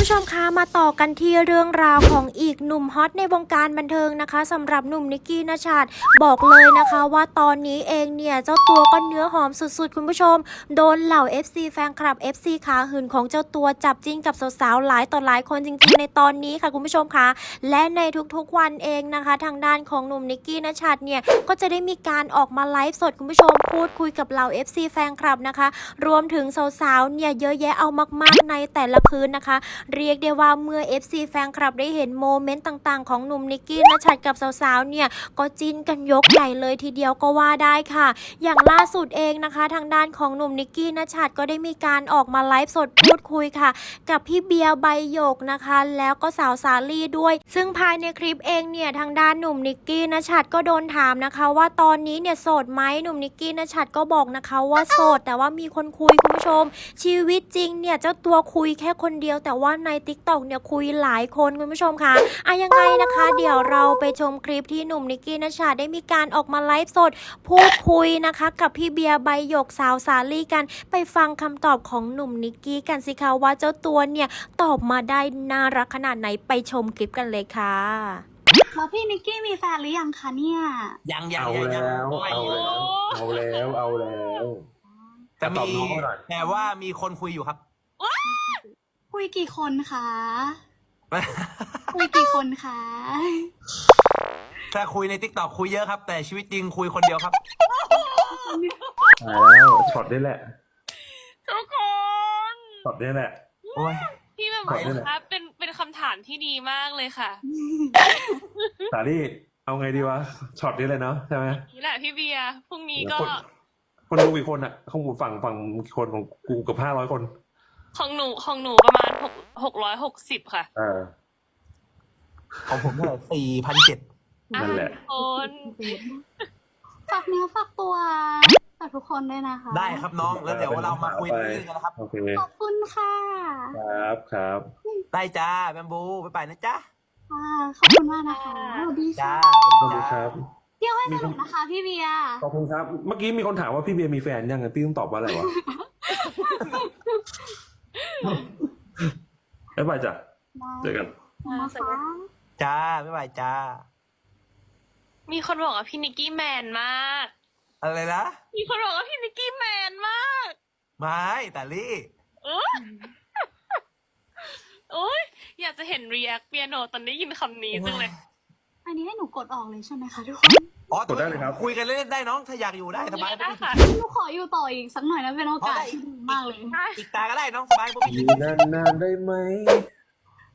ผู้ชมคะมาต่อกันที่เรื่องราวของอีกหนุ่มฮอตในวงการบันเทิงนะคะสำหรับหนุ่มนิกกี้ณชาติบอกเลยนะคะว่าตอนนี้เองเนี่ยเจ้าตัวก็เนื้อหอมสุดๆคุณผู้ชมโดนเหล่า FC แฟนคลับ FC ขาหื่นของเจ้าตัวจับจิ้นกับสาวๆหลายต่อหลายคนจริงๆในตอนนี้ค่ะคุณผู้ชมคะและในทุกๆวันเองนะคะทางด้านของหนุ่มนิกกี้ณชาติเนี่ยก็จะได้มีการออกมาไลฟ์สดคุณผู้ชมพูดคุยกับเหล่า FC แฟนคลับนะคะรวมถึงสาวๆเนี่ยเยอะแยะเอามากๆในแต่ละคืนนะคะเรียกได้ว่าเมื่อ FC แฟนคลับได้เห็นโมเมนต์ต่างๆของหนุ่มนิกกี้ณชัดกับสาวๆเนี่ยก็จิ้นกันยกใหญ่เลยทีเดียวก็ว่าได้ค่ะอย่างล่าสุดเองนะคะทางด้านของหนุ่มนิกกี้ณชัดก็ได้มีการออกมาไลฟ์สดพูดคุยค่ะกับพี่เบียร์ใบหยกนะคะแล้วก็สาวสาลี่ด้วยซึ่งภายในคลิปเองเนี่ยทางด้านหนุ่มนิกกี้ณชัดก็โดนถามนะคะว่าตอนนี้เนี่ยโสดไหมหนุ่มนิกกี้ณชัดก็บอกนะคะว่าโสดแต่ว่ามีคนคุยคุณผู้ชมชีวิตจริงเนี่ยเจ้าตัวคุยแค่คนเดียวแต่ว่าใน TikTok เนี่ยคุยหลายคนคุณผู้ชมค่ะยังไงนะคะเดี๋ยวเราไปชมคลิปที่หนุ่มนิกกี้ณชัดได้มีการออกมาไลฟ์สดพูดคุยนะคะกับพี่เบียร์ใบหยกสาวสาลี่กันไปฟังคำตอบของหนุ่มนิกกี้กันสิคะว่าเจ้าตัวเนี่ยตอบมาได้น่ารักขนาดไหนไปชมคลิปกันเลยค่ะแล้วพี่นิกกี้มีแฟนหรือยังคะเนี่ยยังเอาแล้วแต่มีแต่ว่ามีคนคุยอยู่ครับคุยกี่คนคะ คุยกี่คนคะถ้าคุยใน TikTok คุยเยอะครับแต่ชีวิตจริงคุยคนเดียวครับแล้วช็อตนี้แหละทุกคนช็อตนี้แหละโอ้ยพี่แบบบอกครับเป็นคำถามที่ดีมากเลยค่ะสาลี่เอาไงดีวะช็อตนี้เลยเนาะใช่ไหมนี่แหละพี่เบียร์พรุ่งนี้ก็คนดูกี่คนอ่ะข้างบนฝั่งคนของกูกับ500 คนของหนูประมาณ660ค่ะของผมเท่าไหร่4,700 นั่นแหละคนฝากเนื้อฝากตัวฝากทุกคนด้วยนะคะได้ครับน้องแล้วเดี๋ยวเรามาคุยเรื่องกันนะครับขอบคุณค่ะครับได้จ้าแบมบูไปนะจ๊ะขอบคุณมากนะคะสวัสดีค่ะสวัสดีครับเที่ยวให้สนุกนะคะพี่เบียร์ขอบคุณครับเมื่อกี้มีคนถามว่าพี่เบียร์มีแฟนยังไงพี่ต้องตอบว่าอะไรวะบ๊ายบายจ้ะเจอกันจ้าบ๊ายบายจ้ามีคนบอกว่าพี่นิกกี้แมนมากอะไรนะมีคนบอกว่าพี่นิกกี้แมนมากไม่แต่ลี่โอ๊ยอยากจะเห็นรีแอคเปียโนตอนได้ยินคำนี้จังเลยอันนี้ให้หนูกดออกเลยใช่ไหมคะทุกคนกดได้เลยครับคุยกันเล่นได้น้องถ้าอยากอยู่ได้สบายได้ค่ะหนูขออยู่ต่ออีกสักหน่อยนะเป็นโอกาสที่ดีมากเลยอีกตาก็ได้น้องสบายอยู่นานๆได้ไหม